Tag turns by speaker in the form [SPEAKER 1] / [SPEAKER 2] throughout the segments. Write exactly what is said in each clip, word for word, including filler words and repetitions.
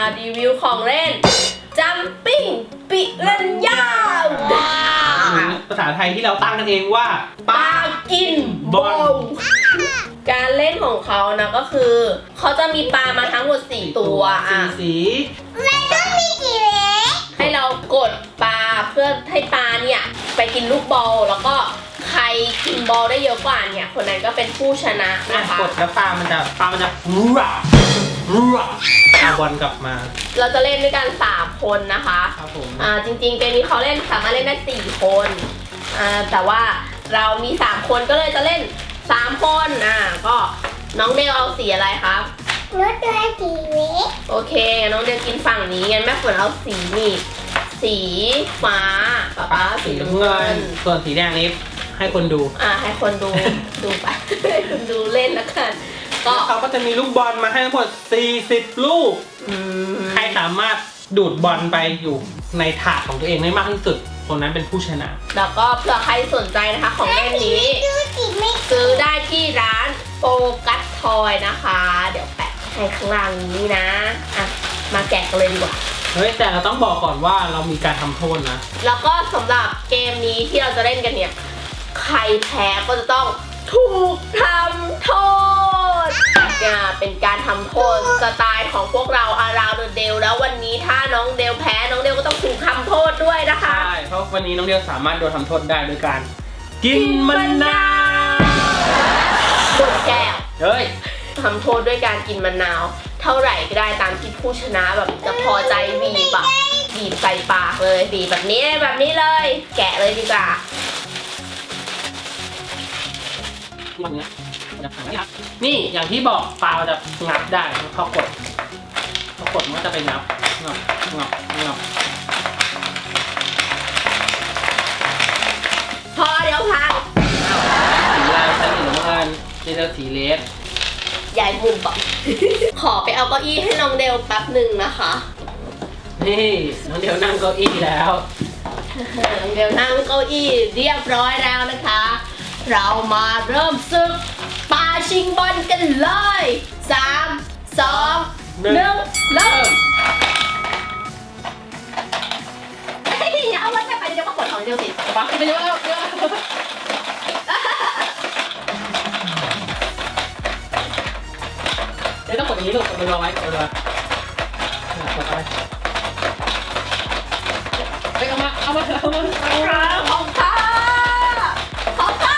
[SPEAKER 1] รีวิวของเล่นจัมปิ้งปิรันย่า
[SPEAKER 2] ภาษาไทยที่เราตั้งกันเองว่า
[SPEAKER 1] ปลากินบอลการเล่นของเขานะก็คือเขาจะมีปลามาทั้งหมดสี่ตัวอ่ะ
[SPEAKER 2] สี
[SPEAKER 3] มันต้องมีกี่เล็ก
[SPEAKER 1] ให้เรากดปลาเพื่อให้ปลาเนี่ยไปกินลูกบอลแล้วก็ใครกินบอลได้เยอะกว่าเนี่ยคนนั้นก็เป็นผู้ชนะนะคะ
[SPEAKER 2] กดแล้วปลามันจะปลามันจะรัวรัวเอาบอลกลับมา
[SPEAKER 1] เราจะเล่นด้วยกันสามคนนะคะ
[SPEAKER 2] ครับผม
[SPEAKER 1] อ่าจริงๆเกมนี้เขาเล่นสามารถเล่นได้สี่คนอ่าแต่ว่าเรามีสามคนก็เลยจะเล่นสามคนอ่าก็น้องเดลเอาสีอะไรครับ
[SPEAKER 3] น้องตัวสีเล็ก
[SPEAKER 1] โอเคน้องเดลกินฝั่งนี้งั้นแม่ฝนเอาสีนี่สีฟ้าป๊าป๊าสีน้ำเงิน
[SPEAKER 2] ส่วนสีแดงนี้ให้คนดู
[SPEAKER 1] อ่าให้คนดูดูไปให้คนดูเล่นแล้วกัน
[SPEAKER 2] ก็เขาก็จะมีลูกบอลมาให้ทั้งหมดสี่สิบลูกใครสามารถดูดบอลไปอยู่ในถาดของตัวเองได้มากที่สุดคนนั้นเป็นผู้ชนะ
[SPEAKER 1] แล้วก็เผื่อใครสนใจนะคะของเล่นนี้ซื้อได้ที่ร้านโฟกัสทอยนะคะเดี๋ยวแปะให้ข้างล่างนี้นะอ่ะมาแกะกันเลยดีกว่า
[SPEAKER 2] เฮ้ยแต่เราต้องบอกก่อนว่าเรามีการทำโทษนะ
[SPEAKER 1] แล้วก็สำหรับเกมนี้ที่เราจะเล่นกันเนี่ยใครแพ้ก็จะต้องถูกทำโทษเป็นการทำโทษสไตล์ของพวกเราอาราวเดลแล้ววันนี้ถ้าน้องเดลแพ้น้องเดลก็ต้องถูกทำโทษด้วยนะคะ
[SPEAKER 2] ใช่เพราะวันนี้น้องเดลสามารถโดนทำโทษได้โดยการกินมะนาว
[SPEAKER 1] บนแก้ว
[SPEAKER 2] เฮ้ย
[SPEAKER 1] ทำโทษด้วยการกินมะนาวเท่าไหร่ก็ได้ตามที่ผู้ชนะแบบจะพอใจบีบแบบบีบใส่ปากเลยบีบแบบนี้แบบนี้เลยแกะเลยดีกว่า
[SPEAKER 2] นี่อย่างที่บอกปลาจะงับได้พอกดพอกดมันก็จะไปงับงับงับงับ
[SPEAKER 1] พอเดี๋ยวพัง
[SPEAKER 2] สีลายชั้นหนึ่งแล้วกันนี่จะสีเลส
[SPEAKER 1] ใหญ่มุมปะขอไปเอาเก้าอี้ให้น้องเดลแป๊บหนึ่งนะคะ
[SPEAKER 2] นี่น้องเดลนั่งเก้าอี้แล้ว
[SPEAKER 1] น้องเดลนั่งเก้าอี้เรียบร้อยแล้วนะคะเรามาเริ่มศึกปาชิงบอลกันเลยสามสองหนึ่งเริ่มอย่าเอาไว้แค่ไปเดียวก็กดของเดียวสิปะไปเยอะแล้วเยอะ
[SPEAKER 2] เดี๋ยวต้องกดอย่างนี้ลูกกดรอไว้กดรอไว้กดไปไปเอามาเอามาเอามาเอามา
[SPEAKER 1] ของข้าของข้า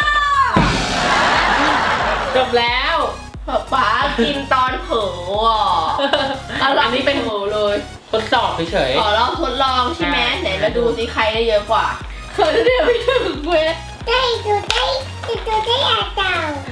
[SPEAKER 2] จบแล้ว
[SPEAKER 1] ป๋ากินตอนเผลออ่ะ
[SPEAKER 2] อันนี้เป็น
[SPEAKER 1] เผลอเลย
[SPEAKER 2] ทดสอบเฉย
[SPEAKER 1] ๆอ๋อเราทดลองใช่ไหมไหนมาดูสิใครได้เยอะกว่าเคยได้ไม่ถึงเว้ย
[SPEAKER 3] ได้ดูได้ดูได้อาจารย์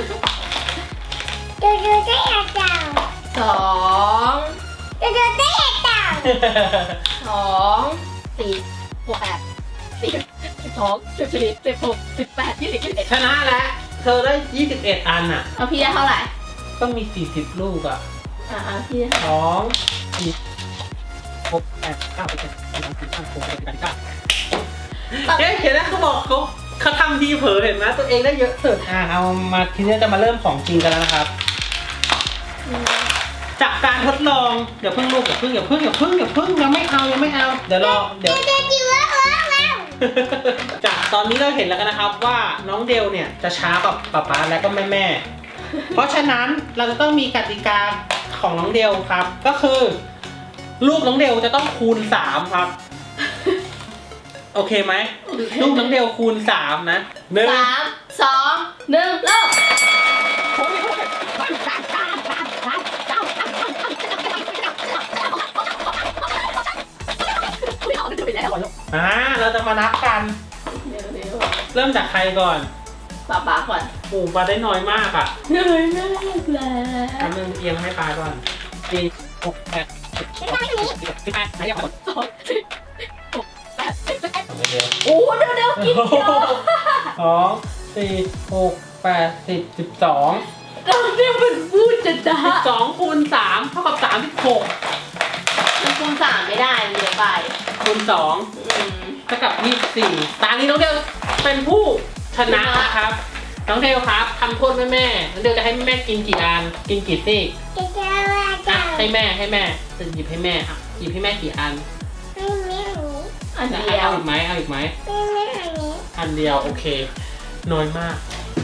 [SPEAKER 3] ดูดูได้อาจารย์
[SPEAKER 1] สอง
[SPEAKER 3] ดูดูได้อาจารย์
[SPEAKER 1] สองสี่หกแปดสิบสิบสองสิบสี่สิบหกสิบแปดยี่สิบยี่สิบเอ็ด
[SPEAKER 2] ชนะแล้วเธอได้ยี่สิบเอ็ดอันอ่ะ
[SPEAKER 1] เอาพี่ได้เท่าไหร่
[SPEAKER 2] ต้องมีสี่สิบลูกอ่ะ
[SPEAKER 1] อ่าพี่ได้
[SPEAKER 2] สองสี่หกแปดเก้าสิบเอ็ดสิบสองสิบสามสิบสี่สิบห้าสิบหกสิบเจ็ดสิบแปดสิบเก้าเฮ้ยเห็นไหมเขาบอกเขาเขาทำทีเผลอเห็นไหมตัวเองได้เยอะสุดอ่ะเอามาทีนี้จะมาเริ่มของจริงกันแล้วนะครับจากการทดลองเดี๋ยวเพิ่งลูกอย่าเพิ่งอย่าเพิ่งอย่าเพิ่งอย่าเพิ่งยังไม่เอายังไม่เอาเดี๋ยวรอเดี๋ยวจากตอนนี้เราเห็นแล้วกันนะครับว่าน้องเดลเนี่ยจะช้ากว่าป๊าป๊าและก็แม่แม่เพราะฉะนั้นเราจะต้องมีกติกาของน้องเดลครับก็คือลูกน้องเดลจะต้องคูณสามครับโอเคไหมลูกน้องเดลคูณสามนะหนึ่ง
[SPEAKER 1] สามสองหนึ่งเริ่ม
[SPEAKER 2] อ่าเราจะมานับกันเริ่มจากใครก่อน
[SPEAKER 1] ปลาปลาก่อน
[SPEAKER 2] โอ้ปลาได้น้อยมากอ่ะ
[SPEAKER 1] น้อยมากแล้ว
[SPEAKER 2] ทำหนึ่งเอียงให้ปลาก่อนสี่หกแปดสิบสิบแปดไหนยังหมด
[SPEAKER 1] สองสิบหกแปดสิบเอ็ดโอ้เดี๋ยวเดี๋ยวกินเยอะ
[SPEAKER 2] สองสี่หกแปดสิบสิบสอง
[SPEAKER 1] เราเรียกเป็นพูดจะจ้า
[SPEAKER 2] สองคูณสามเท่ากับสามสิบหก
[SPEAKER 1] มันคูณสามไม่ได้เยอะไป
[SPEAKER 2] คูณสองเท่ากับยี่สิบสี่ตอนนี้น้องเดลเป็นผู้ชนะนะครับน้องเดลครับทำโทษแม่แม่น้องเดลจะให้แม่กินกี่อันกินกี่ซี่
[SPEAKER 3] จะจะว่า
[SPEAKER 2] อ่ะ
[SPEAKER 3] เต่า
[SPEAKER 2] ให้แม่ให้แม่จะหยิบให้แม่อ่ะหยิบให้แม่กี่อัน
[SPEAKER 3] ให้แม่อันนี้
[SPEAKER 1] อัน
[SPEAKER 2] จะ
[SPEAKER 1] เดียว
[SPEAKER 2] เอาอีกไหมเอาอีกไหม
[SPEAKER 3] ให้แม่อันนี้
[SPEAKER 2] อันเดียวโอเค น้อยมาก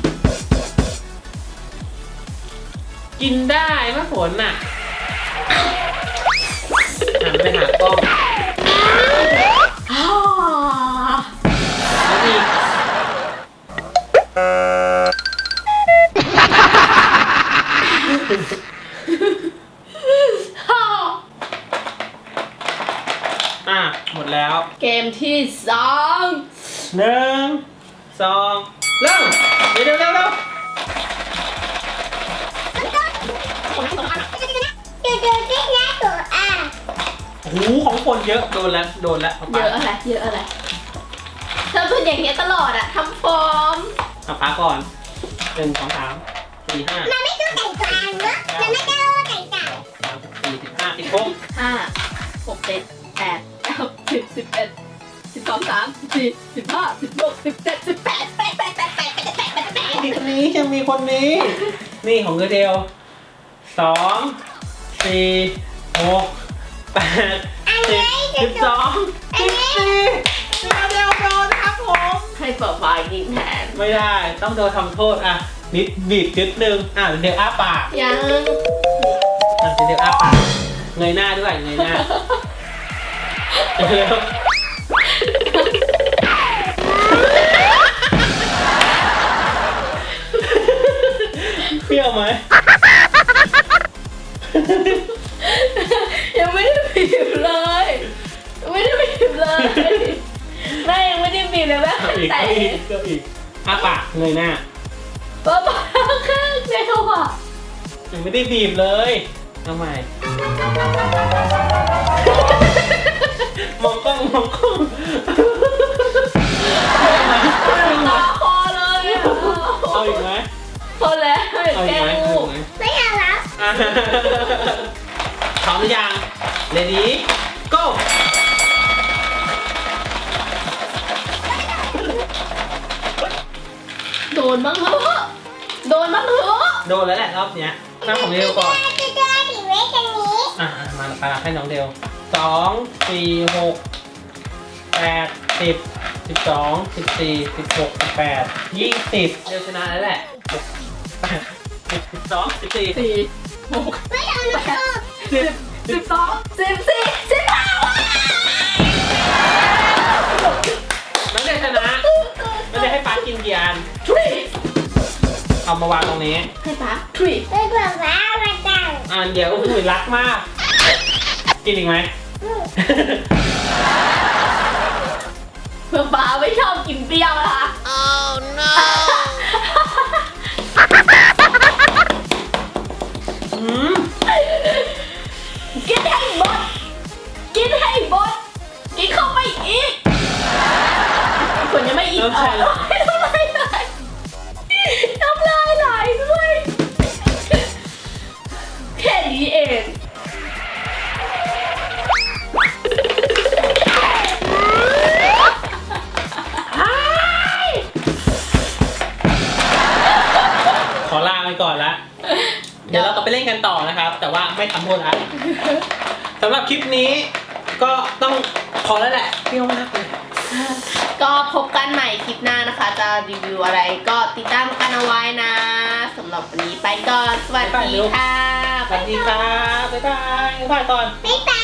[SPEAKER 2] กินได้มะฝนน่ะหันไปหากล้อง
[SPEAKER 1] อ้า
[SPEAKER 2] แล้วอีกอ่ะหมดแล้ว
[SPEAKER 1] เกมที่สอง
[SPEAKER 2] หนึ่งสองเริ่มเร็วเร็วเร็วเร็ว
[SPEAKER 3] ดูดูที่หน้าตัวอ่ะ
[SPEAKER 2] โอ้โหของคนเยอะโดนแล้วโดนแล้ว
[SPEAKER 1] เยอะอะไรเยอะอะไรเธอเป็นอย่างเงี้ยตลอดอะทำฟอร์ม
[SPEAKER 2] เอาป้าก่อนหนึ่งสองสามสี่ห้า
[SPEAKER 3] มันไม่ต้องใส่ตัวอ่างเนอะมันไม่ต้องใส่เต่า
[SPEAKER 2] สามสี่สิบห้าสิบหก
[SPEAKER 1] ห้าหกเจ็ดแปดเก้าสิบสิบเอ็ดสิบสองสามสิบสี่สิบห้าสิบหกสิบเจ็ดสิบแปดแปดแปดแปดแปดแปดแปดแปดแปด
[SPEAKER 2] มีคนนี้ยังมีคนนี้ นี่ของเกอร์เดลสองสี่หกแปดสิบสิบสองสิบสี่เกอร์เดลโดนครับผม
[SPEAKER 1] ให้เปิดไฟกินแทน
[SPEAKER 2] ไม่ได้ต้องโดนทำโทษอ่ะนิดบีบนิดนึงอ่ะเดี๋ยวอ้าปาก
[SPEAKER 1] ยัง
[SPEAKER 2] อ่ะเดี๋ยวอ้าปากเงยหน้าด้วยเงยหน้าเร็วเปรี้ยวไหม
[SPEAKER 1] ยังไม่ได้บีบเลยยังไม่ได้บีบเลยแม่ยังไม่ได้บีบเลยแม่
[SPEAKER 2] เอาอีก
[SPEAKER 1] แต่
[SPEAKER 2] เอาอีกเอาอีกอ้าปากเงยหน้า
[SPEAKER 1] ป้าป้าข้างเดียวอ่ะ
[SPEAKER 2] ยังไม่ได้บีบเลยทำไมมองกล้องมองกล้อง
[SPEAKER 1] ตาคอเลยอะ
[SPEAKER 2] เอาอีกไหม
[SPEAKER 1] พอแล้ว
[SPEAKER 2] เอาอี
[SPEAKER 1] แก
[SPEAKER 2] กไหม
[SPEAKER 1] งู
[SPEAKER 2] เอาอีกไหม
[SPEAKER 3] ไม่เอาแล้ว
[SPEAKER 2] อ่ะพร้อมหรือยัง ready go
[SPEAKER 1] โดนบ้างเถอะโดนบ้างเถอะ
[SPEAKER 2] โดนแล้วแหละรอบเนี้ยหน้าของเดวก่อน
[SPEAKER 3] ดูดูที่ไว้ตรงนี้
[SPEAKER 2] อ่ะอ่ะมาปาให้น้องเดวสองสี่หกแปดสิบสิบสองสิบสี่สิบหกสิบแปดยี่สิบเดวชนะแล้วแหละหกแปดสิบสิบสองสิบสี่
[SPEAKER 1] สี่หก
[SPEAKER 3] ไม่เอาลูก
[SPEAKER 2] สิบ
[SPEAKER 1] สิบสองสิบสี่สิบห้า
[SPEAKER 2] น้องเดวชนะน้องเดวให้ป้ากินกี่อัน
[SPEAKER 1] ทรี
[SPEAKER 2] เอามาวางตรงนี้
[SPEAKER 1] ให้ป้าทรี
[SPEAKER 3] ไม่บอกว่ามาเต่า
[SPEAKER 2] อันเดียวอุ้ยรักมาก กินอีกไหม
[SPEAKER 1] เพื่อป้าไม่ชอบกินเปรี้ยวนะคะ oh no
[SPEAKER 2] อืม
[SPEAKER 1] กินให้หมดกินให้หมดกินเข้าไปอีกฝนยังไม่อีก
[SPEAKER 2] น้ำชาไหล
[SPEAKER 1] น้ำลายไหลน้ำลายไหลด้วยแค่นี้เอง
[SPEAKER 2] ขอลาไปก่อนละ เดี๋ยวเราก็ไปเล่นกันต่อนะครับ แต่ว่าไม่ทำโทษละสำหรับคลิปนี้ก็ต้องพอแล้วแหละเปรี้ยวมากเลย
[SPEAKER 1] ก็พบกันใหม่คลิปหน้านะคะ จะรีวิวอะไรก็ติดตามกันเอาไว้นะสำหรับวันนี้ไปก่อน สวัสดีค่ะ
[SPEAKER 2] สวัสดีครับบ๊ายบายบ๊ายบายก่อน
[SPEAKER 3] ไม่ตา